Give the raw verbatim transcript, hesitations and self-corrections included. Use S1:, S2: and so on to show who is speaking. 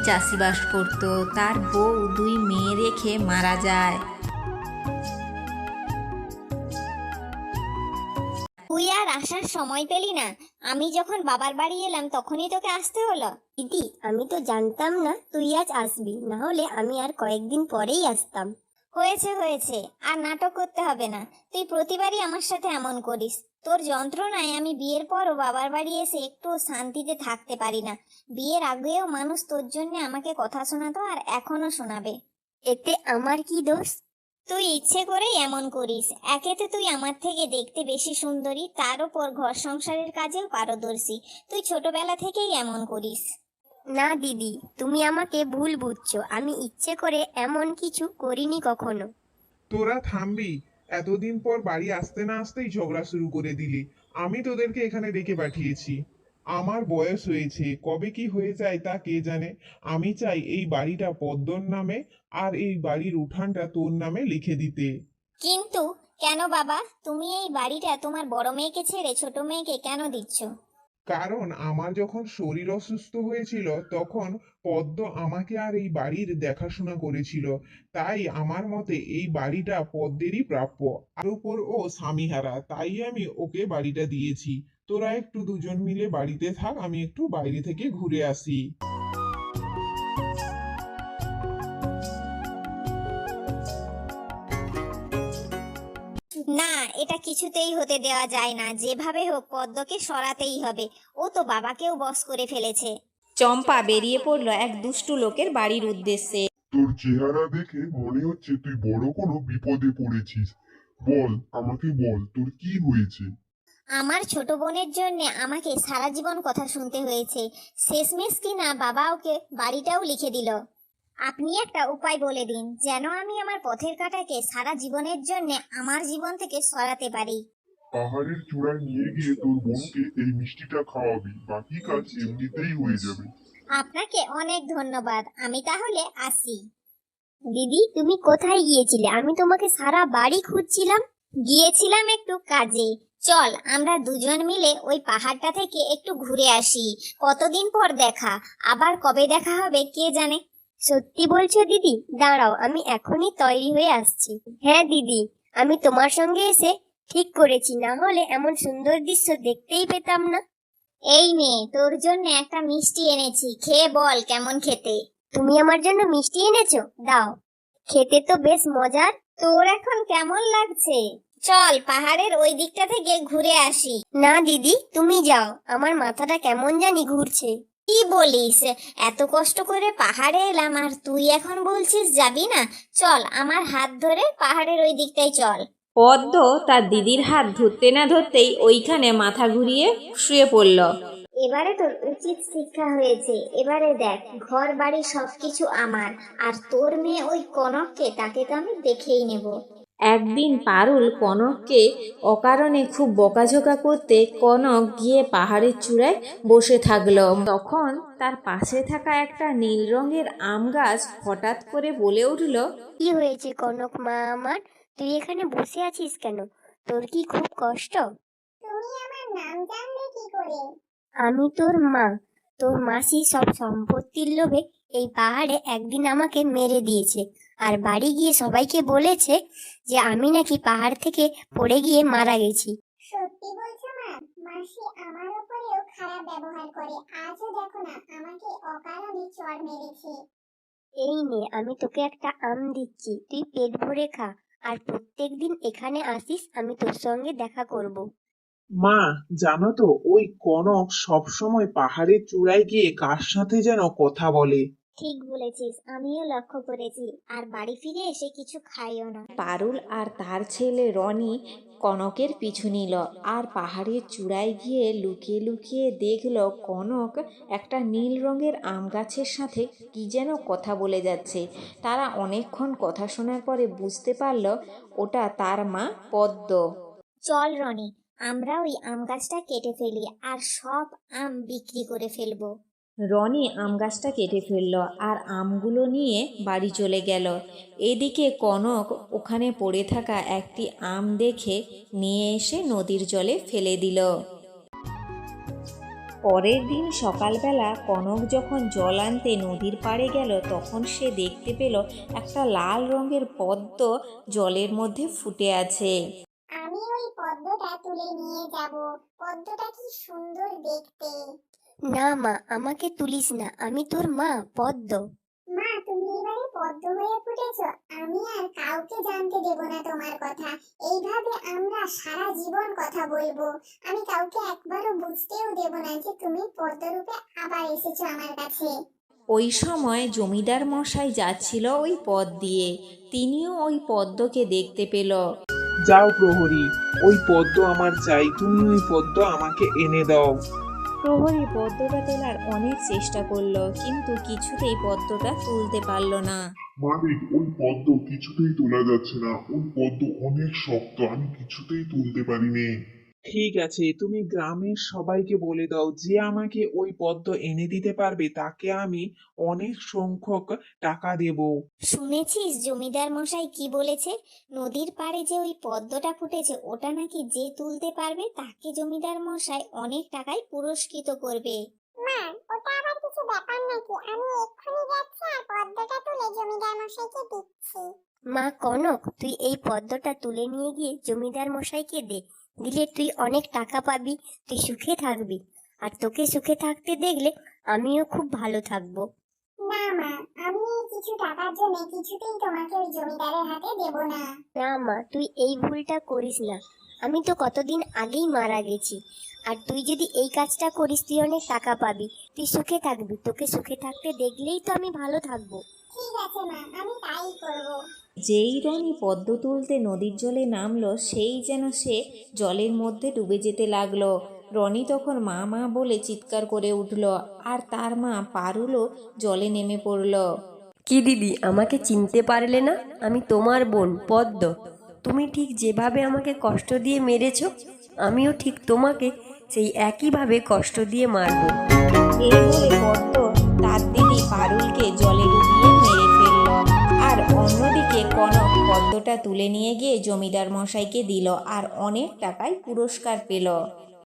S1: চাষিবাস করত। তার বউ দুই মেয়ে রেখে মারা যায়।
S2: তুই আর আসার সময় পেলি না? আমি যখন বাবার বাড়ি এলাম তখনই তোকে আসতে হলো।
S3: দিদি, আমি তো জানতাম না তুই আজ আসবি, না হলে আমি আর কয়েকদিন পরেই আসতাম।
S2: হয়েছে হয়েছে, আর নাটক করতে হবে না। তুই প্রতিবারই আমার সাথে এমন করিস। তোর যন্ত্রণায় আমি বিয়ের পরও বাবার বাড়ি এসে একটু শান্তিতে থাকতে পারি না। বিয়ের আগেও মানুষ তোর জন্য আমাকে কথা শোনাতো, আর এখনো শোনাবে।
S3: এতে আমার কি দোষ?
S2: তুই ইচ্ছে করেই এমন করিস। একেতে তুই আমার থেকে দেখতে বেশি সুন্দরী, তার উপর ঘর সংসারের কাজেও পারদর্শী। তুই ছোটবেলা থেকেই এমন করিস।
S3: না দিদি, তুমি আমাকে ভুল বুঝছো। আমি ইচ্ছে করে এমন কিছু করিনি কখনো।
S4: তোরা থামবি? এতদিন পর বাড়ি আসতে না আসতেই ঝগড়া শুরু করে দিলি। আমি তোদেরকে এখানে ডেকে পাঠিয়েছি। আমার বয়স হয়েছে, কবে কি হয়ে যায় তা কে জানে। আমি চাই এই বাড়িটা পদ্মর নামে আর এই বাড়ির উঠানটা তোর নামে লিখে দিতে।
S2: কিন্তু কেন বাবা? তুমি এই বাড়িটা তোমার বড় মেয়েকে ছেড়ে ছোট মেয়েকে কেন দিচ্ছ?
S4: কারণ আমার যখন শরীর অসুস্থ হয়েছিল তখন পদ্ম আমাকে আর এই বাড়ির দেখাশোনা করেছিল। তাই আমার মতে এই বাড়িটা পদ্মেরই প্রাপ্য। আর উপর ও স্বামীহারা, তাই আমি ওকে বাড়িটা দিয়েছি। তোরা একটু দুজন মিলে বাড়িতে থাক, আমি একটু বাইরে থেকে ঘুরে আসি।
S2: না, এটা কিছুতেই হতে দেওয়া যায় না। যেভাবে হোক পদ্মকে সরাতেই হবে। ও তো বাবাকেও বশ করে ফেলেছে।
S1: চম্পা বেরিয়ে পড়ল এক দুষ্টু লোকের বাড়ির উদ্দেশ্যে।
S5: তোর চেহারা দেখে মনে হচ্ছে তুই বড় কোনো বিপদে পড়েছিস। বল, আমাকে বল, তোর কি হয়েছে?
S2: আমার ছোট বোনের জন্য আমাকে সারা জীবন কথা শুনতে হয়েছে। শেষমেশ কিনা বাবা ওকে বাড়িটাও লিখে দিল। আপনি একটা উপায় বলে দিন, যেন আমি আমার পথের কাঁটাকে সারা জীবনের জন্য আমার জীবন থেকে সরাতে পারি।
S5: পাহাড়ের চূড়ায় নিয়ে গিয়ে তোর বোনকে এই মিষ্টিটা খাওয়াবি, বাকি কাজ এমনিতেই হয়ে যাবে।
S2: আপনাকে অনেক ধন্যবাদ। আমি তাহলে আসি।
S3: দিদি, তুমি কোথায় গিয়েছিলে? আমি তোমাকে সারা বাড়ি খুঁজছিলাম।
S2: গিয়েছিলাম একটু কাজে। চল আমরা দুজন মিলে ওই পাহাড়টা থেকে একটু ঘুরে আসি। কতদিন পর দেখা, আবার কবে দেখা হবে কে জানে।
S3: সত্যি বলছো দিদি? দাঁড়াও, আমি এখনই তৈরি হয়ে আসছি। হ্যাঁ দিদি, আমি তোমার সঙ্গে এসে ঠিক করেছি, না হলে এমন সুন্দর দৃশ্য দেখতেই পেতাম না।
S2: এই মেয়ে, তোর জন্য একটা মিষ্টি এনেছি, খেয়ে বল কেমন খেতে।
S3: তুমি আমার জন্য মিষ্টি এনেছো? দাও, খেতে তো বেশ মজার।
S2: তোর এখন কেমন লাগছে? চল পাহাড়ের ওই দিকটা থেকে ঘুরে আসি।
S3: না দিদি, তুমি যাও, আমার মাথাটা কেমন জানি ঘুরছে।
S2: কি বলিস? এত কষ্ট করে পাহাড়ে এলাম আর তুই এখন বলছিস যাবি না? চল আমার হাত ধরে পাহাড়ের ওই দিকটাই চল।
S1: পদ্ম তার দিদির হাত ধরতে না ধরতেই ওইখানে মাথা ঘুরিয়ে শুয়ে পড়ল।
S2: এবারে তোর উচিত শিক্ষা হয়েছে। এবারে দেখ, ঘর বাড়ি সবকিছু আমার, আর তোর মেয়ে ওই কনককে, তাকে তো আমি দেখেই নেব।
S1: একদিন পারুল কনককে অকারণে খুব বকাঝকা করতে কনক গিয়ে পাহাড়ের চূড়ায় বসে থাকলো। তখন তার পাশে থাকা একটা নীল রঙের আম গাছ হঠাৎ করে বলে উঠল,
S3: কি হয়েছে কনক মা আমার? তুই এখানে বসে আছিস কেন? তোর কি খুব কষ্ট?
S2: তুমি আমার নাম জানলে কি করে?
S3: আমি তোর মা। তোর মাসি সব সম্পত্তির লোভে এই পাহাড়ে একদিন আমাকে মেরে দিয়েছে, আর বাড়ি গিয়ে সবাইকে বলেছে যে আমি নাকি পাহাড় থেকে পড়ে গিয়ে মারা গেছি।
S2: সত্যি বলছো মা? মাসি আমার উপরেও খারাপ ব্যবহার করে। আজও দেখো না, আমাকে অকারণে চড় মেরেছে।
S3: এই নে, আমি তোকে একটা আম দিচ্ছি, তুই পেট ভরে খা, আর প্রত্যেকদিন এখানে আসিস, আমি তোর সঙ্গে দেখা করব।
S6: মা, জানো তো ওই কনক সব সময় পাহাড়ের চূড়ায় গিয়ে কার সাথে যেন কথা বলে।
S2: ঠিক বলেছিস, আমিও লক্ষ্য করেছি। আর বাড়ি ফিরে এসে কিছু খাইও না।
S1: পারুল আর তার ছেলে রনি কনকের পিছু নিল, আর পাহাড়ের চূড়ায় গিয়ে লুকিয়ে লুকিয়ে দেখল কনক একটা নীল রঙের আম গাছের সাথে কি যেন কথা বলে যাচ্ছে। তারা অনেকক্ষণ কথা শোনার পরে বুঝতে পারল ওটা তার মা পদ্ম।
S2: চল রনি, আমরা ওই আম গাছটা কেটে ফেলি আর সব আম বিক্রি করে ফেলবো।
S1: রনি আম গাছটা কেটে ফেলল আর আমগুলো নিয়ে বাড়ি চলে গেল। এদিকে কনক ওখানে পড়ে থাকা একটি আম দেখে নিয়ে এসে নদীর জলে ফেলে দিল। পরের দিন সকালবেলা কনক যখন জল আনতে নদীর পাড়ে গেল তখন সে দেখতে পেল একটা লাল রঙের পদ্ম জলের মধ্যে ফুটে আছে।
S2: আমি ওই পদ্মটা তুলে নিয়ে যাব। পদ্মটা কি সুন্দর দেখতে।
S3: না মা, আমাকে তুলিস না, আমি তোর মা পদ্ম।
S2: মা, তুমি এবারে পদ্ম হয়ে ফুটেছো। আমি আর কাউকে জানতে দেব না তোমার কথা। এইভাবে আমরা সারা জীবন কথা বলবো। আমি কাউকে একবারও বুঝতেও দেব না যে তুমি পদ্মরূপে আবার এসেছো আমার কাছে।
S1: ওই সময় জমিদার মশাই যাচ্ছিল ওই পথ দিয়ে, তিনিও ওই পদ্মকে দেখতে পেল।
S6: যাও প্রহরী, ওই পদ্ম আমার চাই, তুমি ওই পদ্ম আমাকে এনে দাও।
S1: প্রহরী পদ্মটা তোলার অনেক চেষ্টা করলো, কিন্তু কিছুতেই পদ্মটা তুলতে পারল না।
S5: মালিক, ওই পদ্ম কিছুতেই তোলা যাচ্ছে না। ওই পদ্ম অনেক শক্ত, আমি কিছুতেই তুলতে পারিনি।
S6: ঠিক আছে, তুমি গ্রামের সবাইকে বলে দাও যে আমাকে ওই পদ্ম এনে দিতে পারবে তাকে আমি অনেক সংখ্যক টাকা দেব।
S2: শুনেছিস জমিদার মশাই কি বলেছে? নদীর পাড়ে যে ওই পদ্মটা ফুটেছে ওটা নাকি যে তুলতে পারবে তাকে জমিদার মশাই অনেক টাকায় পুরস্কৃত করবে। মা, ওটা আবার কিছু ব্যাপার নাকি? আমি এক্ষুনি যাচ্ছি আর পদ্মটা তুলে জমিদার মশাইকে দিচ্ছি।
S3: মা কনক, তুই এই পদ্মটা তুলে নিয়ে গিয়ে জমিদার মশাইকে দে, দিলে তুই অনেক টাকা পাবি, তুই সুখে থাকবি। আর তোকে সুখে থাকতে দেখলে আমিও খুব ভালো থাকবো।
S2: না মা, আমি এই কিছু টাকার জন্য কিছুতেই তোমাকে ওই জমিদারের হাতে দেব না।
S3: না মা, তুই এই ভুলটা করিস না। আমি তো কতদিন আগেই মারা গেছি, আর তুই যদি এই কাজটা করিস তুই অনেক টাকা পাবি, তুই সুখে থাকবি। তোকে সুখে থাকতে দেখলেই তো আমি ভালো থাকবো।
S2: ঠিক আছে মা, আমি তাই করব।
S1: যেই রনি পদ্ম তুলতে নদীর জলে নামলো সেই যেন সে জলের মধ্যে ডুবে যেতে লাগলো। রনি তখন মা মা বলে চিৎকার করে উঠল, আর তার মা পারুলও জলে নেমে পড়ল।
S7: কি দিদি, আমাকে চিনতে পারলে না? আমি তোমার বোন পদ্ম। তুমি ঠিক যেভাবে আমাকে কষ্ট দিয়ে মেরেছ, আমিও ঠিক তোমাকে সেই একইভাবে কষ্ট দিয়ে মারবো।
S1: এই বলে পদ্ম তার দিদি পারুলকে জলে ডুবিয়ে মেরে ফেলল। আর অন্যদিকে কনক পদ্মটা তুলে নিয়ে গিয়ে জমিদার মশাইকে দিল আর অনেক টাকায় পুরস্কার পেল।